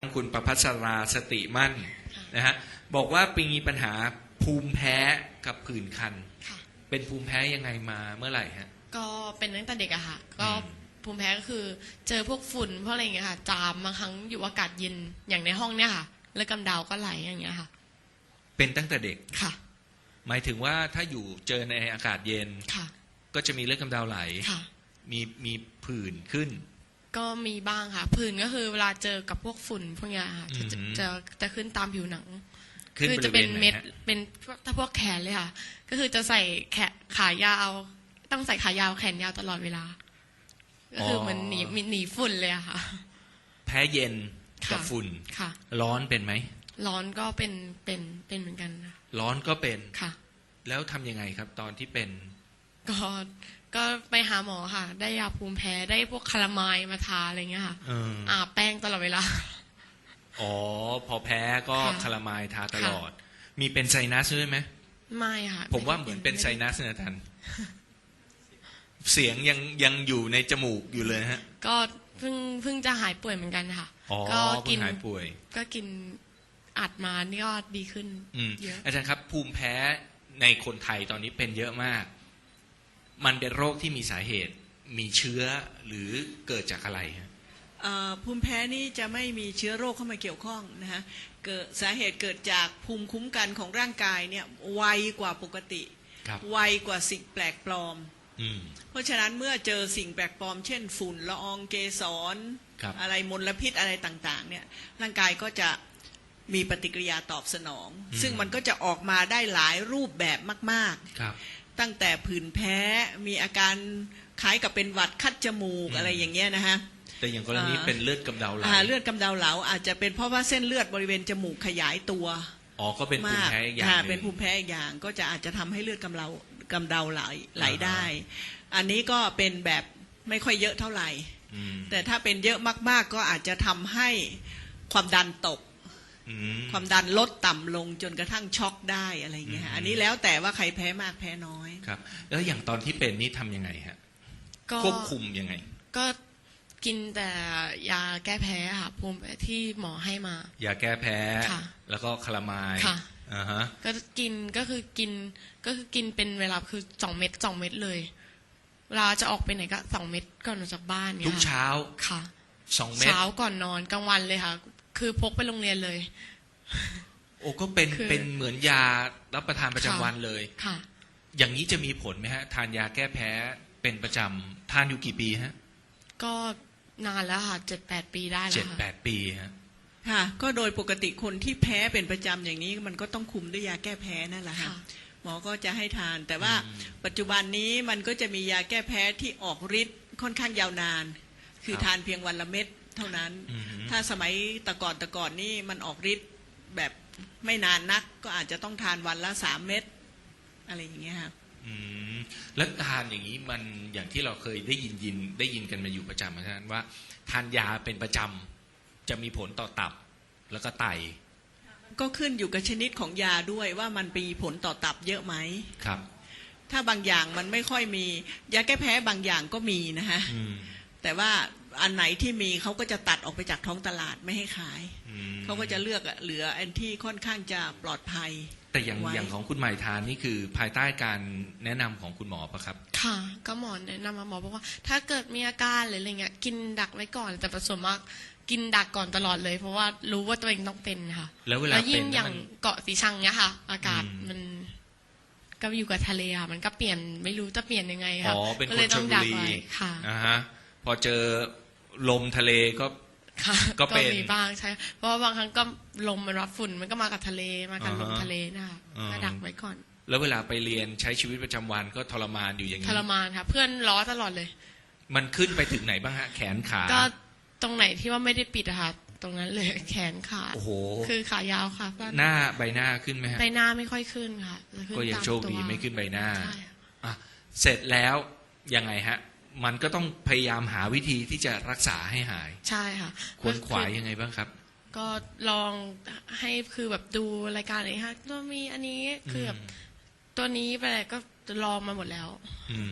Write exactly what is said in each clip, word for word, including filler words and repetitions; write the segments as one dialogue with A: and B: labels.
A: คุณประภัสราสติมั่นนะฮะบอกว่าปีมีปัญหาภูมิแพ้กับผื่นคันเป็นภูมิแพ้ยังไงมาเมื่อไหร่ฮะ
B: ก็เป็นตั้งแต่เด็กอะค่ะก็ภูมิแพ้ก็คือเจอพวกฝุ่นพวกอะไรอย่างเงี้ยค่ะจามบางครั้งอยู่อากาศเย็นอย่างในห้องเนี่ยค่ะแล้วกำเดาก็ไหลอย่างเงี้ยค่ะ
A: เป็นตั้งแต่เด็ก
B: ค่ะ
A: หมายถึงว่าถ้าอยู่เจอในอากาศเย็น
B: ค่ะ
A: ก็จะมีเลือดกำเดาไหล
B: ค่ะมี
A: มีผื่นขึ้น
B: ก็มีบ้างค่ะผื่นก็คือเวลาเจอกับพวกฝุ่นพวกเนี้ยค่ะจะจะจะขึ้นตามผิวหนังคือจะเป็นเม็ดเป็นถ้าพวกแขนเลยค่ะก็คือจะใส่แขนขายาวต้องใส่ขายาวแขนยาวตลอดเวลาก็คือมันหนีหนีฝุ่นเลยอะค่ะ
A: แพ้เย็นกับฝุ่น
B: ค่ะ
A: ร้อนเป็นไหม
B: ร้อนก็เป็นเป็นเป็นเหมือนกัน
A: ร้อนก็เป็น
B: ค่ะ
A: แล้วทำยังไงครับตอนที่เป็น
B: ก็ก็ไปหาหมอค่ะได้ยาภูมิแพ้ได้พวกคาราไมล์มาทาอะไรเงี้ยค่ะอาบแป้งตลอดเวลา
A: อ๋อพอแพ้ก็คาราไมล์ทาตลอดมีเป็นไซนัสด้วยไหม
B: ไม่ค่ะ
A: ผมว่าเหมือนเป็นไซนัสนะท่านเสียงยังยังอยู่ในจมูกอยู่เลยฮะ
B: ก็เพิ่งเพิ่งจะหายป่วยเหมือนกันค่ะ
A: ก็กินหายป่วย
B: ก็กินอัดมานี่ก็ดีขึ้น
A: เยอะอาจารย์ครับภูมิแพ้ในคนไทยตอนนี้เป็นเยอะมากมันเป็นโรคที่มีสาเหตุมีเชื้อหรือเกิดจากอะไรฮะ
C: ภูมิแพ้นี่จะไม่มีเชื้อโรคเข้ามาเกี่ยวข้องนะฮะเกิดสาเหตุเกิดจากภูมิคุ้มกันของร่างกายเนี่ยไวกว่าปกติไวกว่าสิ่งแปลกปลอมเพราะฉะนั้นเมื่อเจอสิ่งแปลกปลอมเช่นฝุ่นละอองเกสรอะไรมลพิษอะไรต่างๆเนี่ยร่างกายก็จะมีปฏิกิริยาตอบสนองซึ่งมันก็จะออกมาได้หลายรูปแบบมากๆตั้งแต่ผื่นแพ้มีอาการคล้ายกับเป็นหวัดคัดจมูกอะไรอย่างเงี้ยนะฮะ
A: แต่อย่างกรณีเป็นเลือดกำเดาไหล
C: เลือดกำเดาไหลอาจจะเป็นเพราะว่าเส้นเลือดบริเวณจมูกขยายตัว
A: อ๋อก็เป็นภูมิแพ้อีกอย่าง
C: เป็นภูมิแพ้อีกอย่างก็จะอาจจะทำให้เลือดกำเดากำเดาไหลไหลได้อันนี้ก็เป็นแบบไม่ค่อยเยอะเท่าไหร่แต่ถ้าเป็นเยอะมากๆก็อาจจะทำให้ความดันตกความดันลดต่ำลงจนกระทั่งช็อกได้อะไรอย่างเงี้ยอันนี้แล้วแต่ว่าใครแพ้มากแพ้น้อย
A: ครับแล้วอย่างตอนที่เป็นนี่ทำยังไงฮะควบคุมยังไง
B: ก็กินแต่ยาแก้แพ้ค่ะภูมิที่หมอให้มาย
A: าแก้แพ้แล้วก็คาราไมล์
B: ค่ะอ่าฮะก็กินก็คือกินก็คือกินเป็นเวลาคือสองเม็ดสองเม็ดเลยเวลาจะออกไปไหนก็สองเม็ดก่อนออกจากบ้านเนี่ย
A: ทุกเช้า
B: ค่ะ
A: สองเม็ด
B: เช้าก่อนนอนกลางวันเลยค่ะคือพกไปโรงเรียนเลย
A: โอ้ก็เป็นเป็นเหมือนยารับประทานประจำวันเลย
B: ค่ะ
A: อย่างนี้จะมีผลไหมฮะทานยาแก้แพ้เป็นประจำทานอยู่กี่ปีฮะ
B: ก็นานแล้วค่ะเจ็ดแปดปีได้แล้ว
A: เจ็ดแปดปีฮะ
C: ค่ะก็โดยปกติคนที่แพ้เป็นประจำอย่างนี้มันก็ต้องคุมด้วยยาแก้แพ้นั่นแหละค่ะหมอก็จะให้ทานแต่ว่าปัจจุบันนี้มันก็จะมียาแก้แพ้ที่ออกฤทธิ์ค่อนข้างยาวนานคือทานเพียงวันละเม็ดเท่านั้นถ้าสมัยแต่ก่อนแต่ก่อนนี่มันออกฤทธิ์แบบไม่นานนักก็อาจจะต้องทานวันละสามเม็ดอะไรอย่างเงี้ยค่ะ
A: แล้วทานอย่างนี้มันอย่างที่เราเคยได้ยินยินได้ยินกันมาอยู่ประจำนะว่าทานยาเป็นประจำจะมีผลต่อตับแล้วก็ไต
C: ก็ขึ้นอยู่กับชนิดของยาด้วยว่ามันมีผลต่อตับเยอะไหม
A: ครับ
C: ถ้าบางอย่างมันไม่ค่อยมียาแก้แพ้บางอย่างก็มีนะฮะแต่ว่าอันไหนที่มีเขาก็จะตัดออกไปจากท้องตลาดไม่ให้ขายเขาก็จะเลือกเหลืออันที่ค่อนข้างจะปลอดภัย
A: แต่อย่างอย่างของคุณหมายทานนี่คือภายใต้การแนะนำของคุณหมอปะครับ
B: ค่ะก็หมอแนะนำมาหมอบอกว่าถ้าเกิดมีอาการหรืออะไรเงี้ยกินดักไว้ก่อนแต่ผสมมากกินดักก่อนตลอดเลยเพราะว่ารู้ว่าตัวเองต้องเป็นค่ะ
A: แล้วเวลาเป็น
B: ยิ่งอย่างเกาะสีชังเนี้ยค่ะอากาศมันก็อยู่กับทะเลค่ะมันก็เปลี่ยนไม่รู้จะเปลี่ยนยังไงค่ะ
A: ก็เลยต้องดักไว้ค่ะอ่าฮะพอเจอลมทะเลก็
B: ก็เป็นมีบ้างใช่เพราะว่าบางครั้งก็ลมมันรับฝุ่นมันก็มากับทะเลมากับลมทะเลนะคะก็ดักไว้ก่อน
A: แล้วเวลาไปเรียนใช้ชีวิตประจำวันก็ทรมานอยู่อย่างนี้
B: ทรมานค่ะเพื่อนล้อตลอดเลย
A: มันขึ้นไปถึงไหนบ้างฮะแขนขา
B: ก็ตรงไหนที่ว่าไม่ได้ปิดอะค่ะตรงนั้นเลยแขนขา
A: โอ้โห
B: คือขายาวค่ะ
A: หน้าใบหน้าขึ้นไหมฮะ
B: ใบหน้าไม่ค่อยขึ้นค่ะ
A: ก็ยังโชคดีไม่ขึ้นใบหน้าอ่ะเสร็จแล้วยังไงฮะมันก็ต้องพยายามหาวิธีที่จะรักษาให้หาย
B: ใช่ค่ะ
A: ควรขวายยังไงบ้างครับ
B: ก็ลองให้คือแบบดูรายการอะไรฮะตัวมีอันนี้คือแบบตัวนี้ไปอะไรก็ลองมาหมดแล้ว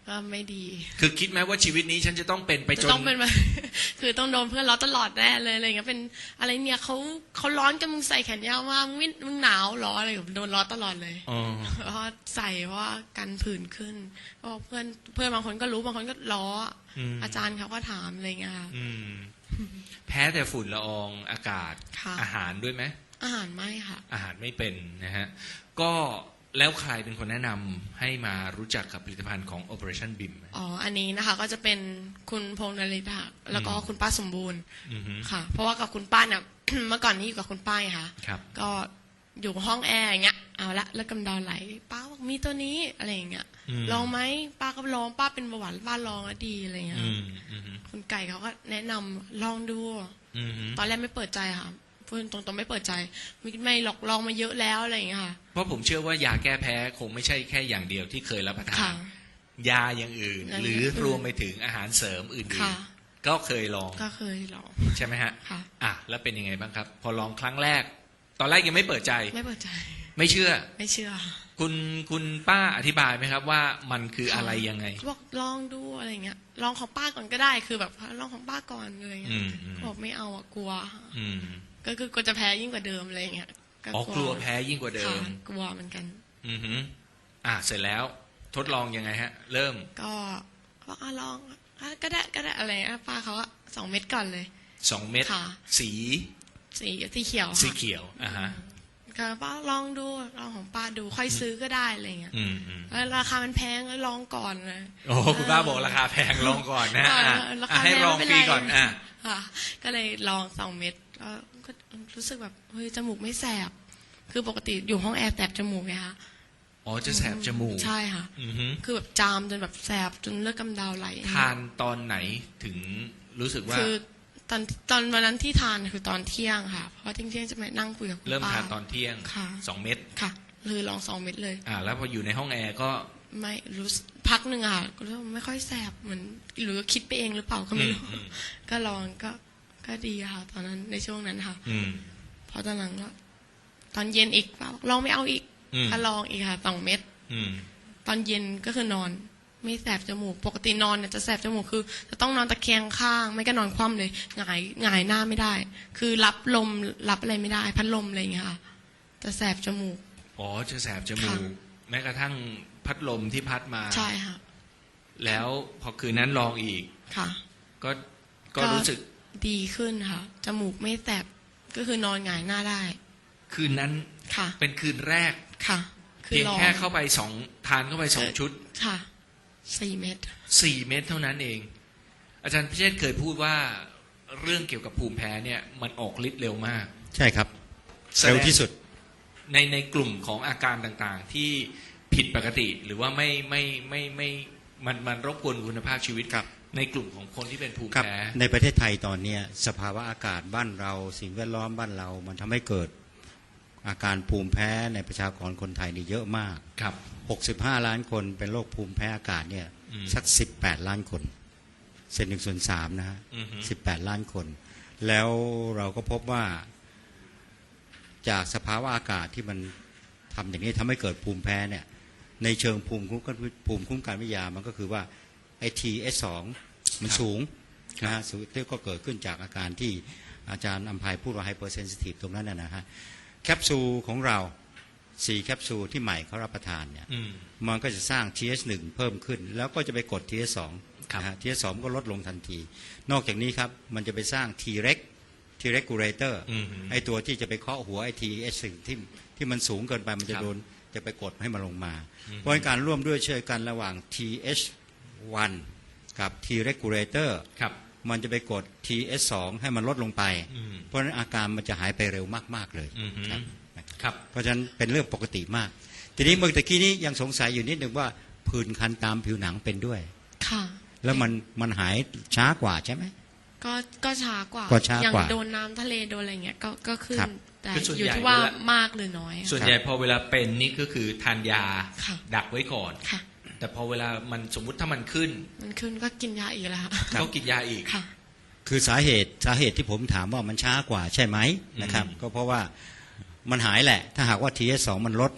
B: ก็ไม่ดี
A: คือคิดไหมว่าชีวิตนี้ฉันจะต้องเป็นไปจ
B: จะ
A: น
B: ต้องเป็นแบบ คือต้องโดนเพื่อนล้อตลอดแน่เลยอะไรเงี้ยเป็นอะไรเนี่ยเขาเขาร้อนกันมึงใส่แขนยาวมามึงไม่มึงหนาวหรออะไรแบบโดนล้อตลอดเลย
A: อ๋อ
B: เพราะใส่เพราะว่ากันผื่นขึ้นเพราะเพื่อนเพื่อนบางคนก็รู้บางคนก็ล้ออ
A: ม
B: อาจารย์เขาก็ถามอะไรเงี้ยค่ะ
A: อืมแพ้แต่ฝุ่นละอองอากาศ
B: ค่ะ
A: อาหารด้วยไหม
B: อาหารไม่ค่ะ
A: อาหารไม่เป็นนะฮะก็แล้วใครเป็นคนแนะนำให้มารู้จักกับผลิตภัณฑ์ของ Operationบี ไอ เอ็ม
B: อ๋ออันนี้นะคะก็จะเป็นคุณพงษ์นฤทธิ์ค่ะแล้วก็
A: อืม
B: คุณป้าสมบูรณ์
A: อือฮึ
B: ค่ะ เพราะว่ากับคุณป้าเนี่ย เมื่อก่อนนี้อยู่กับคุณป้าไงค่ะ
A: ครับ
B: ก็อยู่ห้องแอร์อย่างเงี้ยเอาละแล้วกำเดาไหลป้าบอกมีตัวนี้อะไรอย่างเงี้ย
A: ม
B: ลองไหมป้าก็ลองป้าเป็นเบาหวานป้าลองแล้วดีอะไรเงี้ย
A: อืมอืม
B: คุณไก่เขาก็แนะนำลองดู
A: อืม
B: ตอนแรกไม่เปิดใจค่ะพูดตรงๆไม่เปิดใจไม่ไม่หลอกลองมาเยอะแล้วอะไรอย่างเงี้ยค่ะ
A: เพราะผมเชื่อว่ายาแก้แพ้คงไม่ใช่แค่อย่างเดียวที่เคยรับประทา
B: ค่ะ
A: นยาอย่างอื่น
B: อย่าง
A: หรือ
B: อื่น
A: รวมไปถึงอาหารเสริมอื่น
B: ค่ะ
A: ๆก็เคยลอง
B: ก็เคยลอง
A: ใช่ไหมฮะ
B: ค่ะ
A: อ่ะแล้วเป็นยังไงบ้างครับ พอลองครั้งแรก ตอนแรกยังไม่เปิดใจ
B: ไม่เปิดใจ
A: ไม่เชื่อ
B: ไม่เชื่อ
A: คุณคุณป้าอธิบายไหมครับว่ามันคือ
B: ค่ะ
A: อะไรยังไง
B: บอกลองดูอะไรเงี้ยลองของป้าก่อนก็ได้คือแบบลองของป้าก่อนอะไรเงี้
A: อื
B: ย
A: มอืม
B: บอกไม่เอาอะกลัว
A: อืม
B: ก็คือกลัวจะแพ้ยิ่งกว่าเดิมอะไรเงี้ย
A: อ๋อกลัวแพ้ยิ่งกว่าเดิ
B: ค่ะ
A: ม
B: กลัวเหมือนกัน
A: อือหืออ่ะเสร็จแล้วทดลองยังไงฮะ เริ่ม
B: ก็ก็อ่ะลองอ่ะก็ได้ก็ได้อะไรอ่ะป้าเขาอะสองเม็ดก่อนเลย
A: สองเม็ด
B: ค่ะ
A: สี
B: สีสีเขียวค่ะ
A: สีเขียวอ่ะฮะ
B: ก็ป้าลองดูลองของป้าดูค่อยซื้อก็ได้อะไรเงี้ย
A: อืมอืม
B: แล้วราคามันแพงก็ลองก่อนเลย
A: โอ้คุณป้าบอกราคาแพงลองก่อนนะ
B: อ่า
A: อ่ะ
B: รา
A: อ่ะ
B: คา
A: ให้
B: แพง
A: ลอง
B: ไม่
A: ฟ
B: เป็น
A: รี
B: ไร
A: ก่อนอ่ะ
B: ค่ะ ก็เลยลองสองเม็ดแล้วก็รู้สึกแบบเฮ้ยจมูกไม่แสบ คือปกติอยู่ห้องแอร์แสบจมูกไงคะ
A: อ๋อจะแสบจมูก
B: ใช่ค่ะ
A: อือหือ
B: คือแบบจามจนแบบแสบจนเลือดกำเดาไหล
A: ทานตอนไหนถึงรู้สึกว่า
B: คือตอนตอนวันนั้นที่ทานคือตอนเที่ยงค่ะ เพราะเที่ยงเที่ยงจะมานั่งคุยกับคุณ
A: เริ่ม
B: ป้า
A: ทานตอนเที่ยง
B: ค่ะ
A: สองเม็ด
B: ค่ะเลยลองสองเม็ดเลย
A: อ่า แล้วพออยู่ในห้องแอร์ก็
B: ไม่รู้สึกพักหนึ่งอ่ะก็รู้สึกไม่ค่อยแสบเหมือนหรือคิดไปเองหรือเปล่าก็ไม่รู้
A: อืมอืม
B: ก็ลองก็ก็ดีค่ะ ตอนนั้นในช่วงนั้นค่ะ
A: อืม
B: พอตอนหลังก็ตอนเย็นอีกป้าบอกลองไม่เอาอีก
A: อืม
B: ก็ลองอีกค่ะสองเม็ด
A: อืม
B: ตอนเย็นก็คือนอน ไม่แสบจมูก ปกตินอนเนี่ยจะแสบจมูกคือ จะต้องนอนตะแคงข้าง ไม่ก็นอนคว่ำเลยหงายหงายหน้าไม่ได้ คือรับลมรับอะไรไม่ได้ พัดลมอะไรอย่างเงี้ยค่ะจะแสบจมูก
A: อ๋อจะแสบจมู
B: ค่ะ
A: ก แม้กระทั่งพัดลมที่พัดมา
B: ใช่ค่ะ
A: แล้วพอคืนนั้นลองอีก
B: ค่ะ
A: ก็ก็รู้สึก
B: ดีขึ้นค่ะ จมูกไม่แสบก็คือนอนหงายหน้าได้
A: คืนนั้น
B: ค่ะ
A: เป็นคืนแรก
B: ค่ะ
A: เพียง
B: ลอง
A: แค่เข้าไปสองทานเข้าไปสองชุด
B: ค่ะสี่เม็ด
A: สี่เม็ดเท่านั้นเอง อาจารย์พิเชษฐ์เคยพูดว่าเรื่องเกี่ยวกับภูมิแพ้เนี่ย มันออกฤทธิ์เร็วมาก
D: ใช่ครับ
A: แสดง
D: เร็วที่สุด
A: ในในกลุ่มของอาการต่างๆ ที่ผิดปกติ หรือว่าไม่ไม่ไม่ไม่มันมันรบกวนคุณภาพชีวิต
D: ครับ
A: ในกลุ่มของคนที่เป็นภูมิ
D: ครับ
A: แพ้
D: ในประเทศไทยตอนเนี้ยสภาวะอากาศบ้านเราสิ่งแวดล้อมบ้านเรา มันทำให้เกิดอาการภูมิแพ้ในประชากรคนไทยนี่เยอะมาก
A: ครับ
D: หกสิบห้า ล้านคนเป็นโรคภูมิแพ้อากาศเนี่ย
A: อืม
D: สักสิบแปดล้านคนเศษหนึ่งส่วนสามนะฮะ
A: อือฮึ
D: สิบแปดล้านคน แล้วเราก็พบว่าจากสภาวะอากาศที่มันทำอย่างนี้ทำให้เกิดภูมิแพ้เนี่ยในเชิงภูมิคุ้มกันภูมิคุ้มกันวิทยามันก็คือว่าไอทีเอสสองมันสูงนะฮะที่ก็เกิดขึ้นจากอาการที่อาจารย์อำไพพูดว่าไฮเปอร์เซนซิทีฟตรงนั้นนะฮะแคปซูลของเราสี่แคปซูลที่ใหม่เขารับประทานเนี่ย
A: อืม
D: มันก็จะสร้าง ที เอส หนึ่ง เพิ่มขึ้น แล้วก็จะไปกด ที เอส สอง
A: ครับ
D: นะฮะ ที เอส สอง ก็ลดลงทันที นอกจากนี้ครับมันจะไปสร้าง T-Reg T-regulator
A: อืม
D: ไอตัวที่จะไปเคาะหัวไอ ที เอส หนึ่ง ที่ที่มันสูงเกินไปมันจะ
A: ครับ
D: โดนจะไปกดให้มันลงมา
A: อืม
D: เพราะฉะนั้นการร่วมด้วยช่วยกันระหว่าง ที เอช วัน กับ T-regulator
A: ครับ
D: มันจะไปกด ที เอส สอง ให้มันลดลงไป
A: อืม
D: เพราะฉะนั้นอาการมันจะหายไปเร็วมากๆเลย
A: อืม
D: ครับ
A: ครับ
D: เพราะฉะนั้นเป็นเรื่องปกติมาก ทีนี้เมื่อตะกี้นี้ยังสงสัยอยู่นิดหนึ่งว่าผื่นคันตามผิวหนังเป็นด้วย
B: ค่ะ
D: แล้วมันมันหายช้ากว่าใช่ไหม
B: ก็ก็ช้ากว่า
D: ก็ช้ากว่า
B: อย่างโดนน้ำทะเลโดนอะไรเงี้ยก็ก็ขึ้น
D: ครับ
B: แต่
A: คือส่วน
B: อยู่
A: ใหญ่
B: ที่ว่า
A: เวลาม
B: มากหรือน้อยอะ
A: ส่วนใหญ่พอเวลาเป็นนี่ก็คือทานยา
B: ค่ะ
A: ดักไว้ก่อน
B: ค่ะ
A: แต่พอเวลามันสมมุติถ้ามันขึ้น
B: มันขึ้นก็กินยาอีกแล้วค่ะ
A: ก็กินยาอีก
B: ค่ะ
D: คือสาเหตุสาเหตุที่ผมถามว่ามันช้ากว่าใช่ไหมนะครับ
A: อืม
D: ก็เพราะว่ามันหายแหละ ถ้าหากว่า ที เอส สอง มันลด แ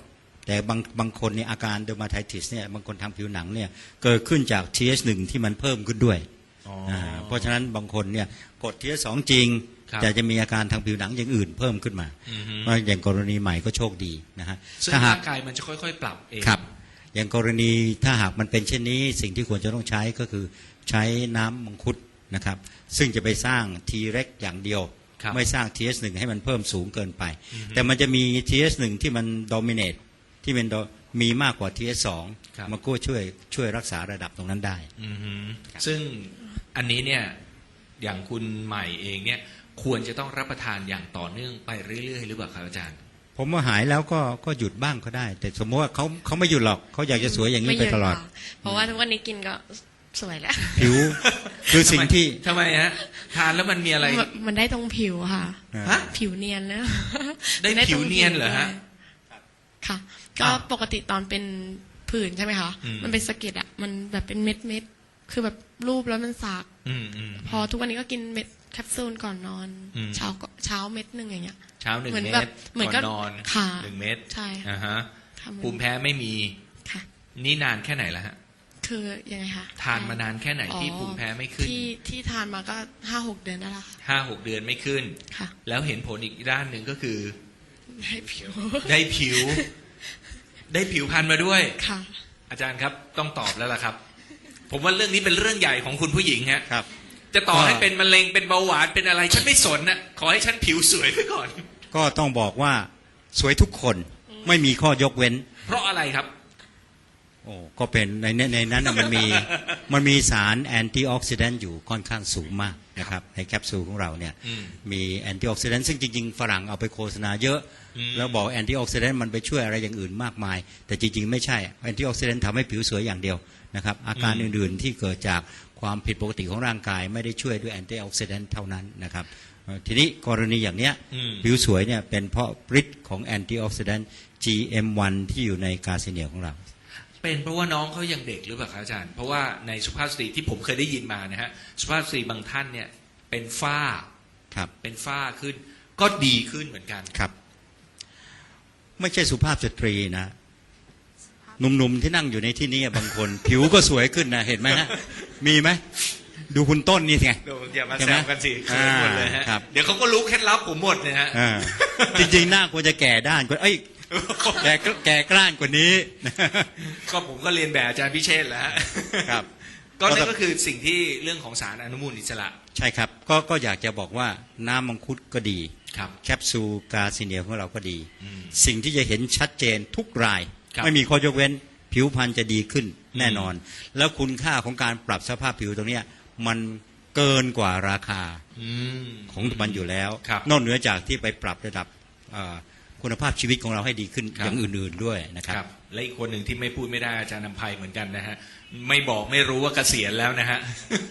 D: แต่บางบางคนเนี่ยอาการเดอร์มาไทติสเนี่ยบางคนทางผิวหนังเนี่ยเกิดขึ้นจาก ที เอช หนึ่ง ที่มันเพิ่มขึ้นด้วย
A: อ๋อ
D: อ่าเพราะฉะนั้นบางคนเนี่ยกด ที เอช สอง จริง
A: ครับ
D: แต่จะมีอาการทางผิวหนังอย่างอื่นเพิ่มขึ้นมา
A: อือฮึ
D: ว่าอย่างกรณีใหม่ก็โชคดีนะฮะ
A: ซึ่ง
D: ถ้าหา
A: ร่าก งกายมันจะค่อยๆ ปรับเอง
D: ครับ อย่างกรณีถ้าหากมันเป็นเช่นนี้สิ่งที่ควรจะต้องใช้ก็คือใช้น้ำมังคุดนะครับซึ่งจะไปสร้าง T เร็กอย่างเดียว
A: ครับ
D: ไม่สร้าง ที เอช หนึ่ง ให้มันเพิ่มสูงเกินไป
A: อือฮึ
D: แต่มันจะมี ที เอช หนึ่ง ที่มัน dominate ที่เป็น do- มีมากกว่า ที เอช สอง
A: ครับ
D: มันก็ช่วยช่วยรักษาระดับตรงนั้นได้
A: อือฮึซึ่งอันนี้เนี่ยอย่างคุณใหม่เองเนี่ยควรจะต้องรับประทานอย่างต่อเนื่องไปเรื่อยๆ หรือเปล่าครับอาจารย์
D: ผมว่าหายแล้วก็ก็หยุดบ้างก็ได้ แต่สมมติว่าเขาเขาไม่หยุดหรอกเขาอยากจะสวยอย่างนี้ไปตลอด
B: ม่เยะค่ะเพราะว่าทุกวันนี้กินก็สวยแล้ว
D: ผิวคือสิ่งที่
A: ทำไมฮะทานแล้วมันมีอะไร
B: มันมันได้ตรงผิวค่ะ
D: อ่า
A: ฮะ
B: ผิวเนียนแล้ว
A: ได้
B: มัตรง
A: ผิวเนียนเหรอฮะ
B: ด้วยค่ะ ก็
A: อ้าว
B: ปกติตอนเป็นผื่นใช่ไหมคะ
A: อืม
B: มันเป็นสะเก็ดอะมันแบบเป็นเม็ดเม็ดๆคือแบบรูปแล้วมันสาก
A: อืมอืม
B: พอทุกวันนี้ก็กินเม็ดแคปซูลก่อนนอน
A: อืม
B: เช้าก็เช้าเม็ดหนึ่งอย่างเงี้ย
A: เช้าหนึ่ง
B: เหมือน
A: เม็
B: แบ
A: ด
B: บเหมือน
A: ก่
B: ก็
A: อนนอน
B: ค่ะ
A: หนึ่งเม็ด
B: ใช่
A: อ่าฮะ
B: ทำเหมือน
A: ภูมิแพ้ไม่มี
B: ค่ะ
A: นี่นานแค่ไหนแล้วฮะ
B: คือยังไงคะ
A: ทานมานานแค่ไหนที่
B: อ๋อ
A: ภูมิแพ้ไม่ขึ้น
B: ที่ที่ทานมาก็ห้าหกเดือนได้แล้วค่ะ
A: ห้าหกเดือนไม่ขึ้น
B: ค่ะ
A: แล้วเห็นผลอีกด้านหนึ่งก็คือ
B: ให้ผิว
A: ได้ผิว ได้ผิวพรรณมาด้วย
B: ค่ะ
A: อาจารย์ครับต้องตอบแล้วล่ะครับ ผมว่าเรื่องนี้เป็นเรื่องใหญ่ของคุณผู้หญิงฮะ
D: ครับ
A: จะต่อ
D: ก็
A: ให้เป็นมะเร็งเป็นเบาหวานเป็นอะไร ฉันไม่สนนะขอให้ฉันผิวสวยไปก่อน
D: ก็ต้องบอกว่าสวยทุกคนไม่มีข้อยกเว้น
A: เพราะอะไรครับ
D: โอ้ก็เป็นในในในนั้นน่ะมันมีมันมีสารแอนตี้ออกซิแดนต์อยู่ค่อนข้างสูงมากนะครับในแคปซูลของเราเนี่ย
A: อืม
D: มีแอนตี้ออกซิแดนต์ซึ่งจริงๆฝรั่งเอาไปโฆษณาเยอะ
A: อืม
D: แล้วบอกแอนตี้ออกซิแดนต์มันไปช่วยอะไรอย่างอื่นมากมาย แต่จริงๆไม่ใช่แอนตี้ออกซิแดนต์ทำให้ผิวสวยอย่างเดียวนะครับอาการอื่นๆที่เกิดจากความผิดปกติของร่างกายไม่ได้ช่วยด้วยแอนตี้ออกซิแดนต์เท่านั้นนะครับเอ่อทีนี้กรณีอย่างเนี้ย
A: อืม
D: ผิวสวยเนี่ยเป็นเพราะฤทธิ์ของแอนตี้ออกซิแดนต์ จี เอ็ม วัน ที่อยู่ในกาซิเนียของเรา
A: เป็นเพราะว่าน้องเขายังเด็กหรือเปล่าครับอาจารย์ เพราะว่าในสุภาพสตรีที่ผมเคยได้ยินมานะฮะสุภาพสตรีบางท่านเนี่ยเป็นฝ้า
D: ครับ
A: เป็นฝ้าขึ้น ก็ดีขึ้นเหมือนกัน
D: ครับ ไม่ใช่สุภาพสตรีนะหนุ่มๆที่นั่งอยู่ในที่นี้บางคน ผิวก็สวยขึ้นนะเห็นไหมฮะมีไหมดูคุณต้นนี่ไง
A: อย่ามา
D: ใช่
A: แซ
D: ไหม
A: วกันสิเขินหมดเลยฮะ
D: อ่าครับ
A: เดี๋ยวเขาก็รู้เคล็ดลับผมหมดเลยฮะ
D: อ่าจริงๆหน้าควรจะแก่ด้านกว่าเอ้ยแก่แก่กล้านกว่านี้
A: ก็ผมก็เรียนแบบอาจารย์พิเชษฐ์แล้วฮะ
D: ครับ
A: ก็นั่นก็คือสิ่งที่เรื่องของสารอนุมูลอิสระ
D: ใช่ครับก็ก็อยากจะบอกว่าน้ำมังคุดก็ดี
A: ครับ
D: แคปซูลกาซิเนียของเราก็ดี
A: อืม
D: สิ่งที่จะเห็นชัดเจนทุกราย
A: ครับ
D: ไม่มีข้อยกเว้น ผิวพรรณจะดีขึ้นแน่นอน แล้วคุณค่าของการปรับสภาพผิวตรงเนี้ยมันเกินกว่าราคา
A: อืม
D: ของมันอยู่แล้ว
A: ครับ
D: นอกเหนือจากที่ไปปรับระดับเอ่อคุณภาพชีวิตของเราให้ดีขึ้น
A: ครับ
D: อย่างอื่นๆด้วยนะค
A: ครับ รับ และอีกคนหนึ่งที่ไม่พูดไม่ได้อาจารย์นำภัยเหมือนกันนะฮะ ไม่บอกไม่รู้ว่าเกษียณแล้วนะฮะ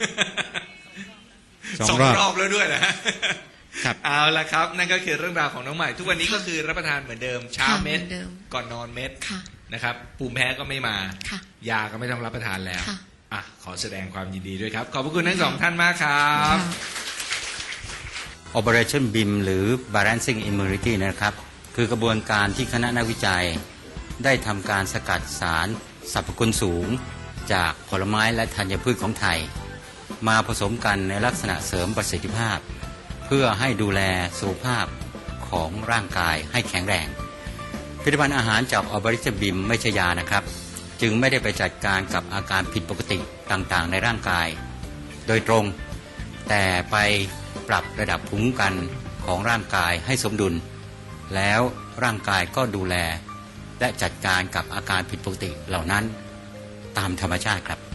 D: สองรอบ
A: รอบแล้วด้วยนะฮะ
D: ครับ
A: เอาละครับ นั่นก็คือเรื่องราวของน้องใหม่ ทุกวันนี้ก็คือรับประทานเหมือนเดิมเช้า
B: ค่ะ
A: เม็ด
B: เหมือนเดิม
A: ก่อนนอนเม็ด
B: ค่ะ
A: นะครับภูมิแพ้ก็ไม่มา
B: ค่ะ
A: ยาก็ไม่ต้องรับประทานแล้ว
B: ค่ะ
A: อ่ะขอแสดงความยินดีด้วยครับ ขอบพระคุณทั้งสองท่านมากครับ
B: ค่ะ
D: Operation บี เอ็ม หรือ Balancing Immunity นะครับคือกระบวนการที่คณะนักวิจัย ได้ทำการสกัดสารสรรพคุณสูง จากผลไม้และธัญพืชของไทย มาผสมกันในลักษณะเสริมประสิทธิภาพ เพื่อให้ดูแลสุขภาพของร่างกายให้แข็งแรงผลิตภัณฑ์อาหารจาก Operation บี เอ็ม ไม่ใช่ยานะครับ จึงไม่ได้ไปจัดการกับอาการผิดปกติต่างๆ ในร่างกาย โดยตรง แต่ไปปรับระดับภูมิคุ้มกันของร่างกายให้สมดุล แล้วร่างกายก็ดูแล และจัดการกับอาการผิดปกติเหล่านั้นตามธรรมชาติครับ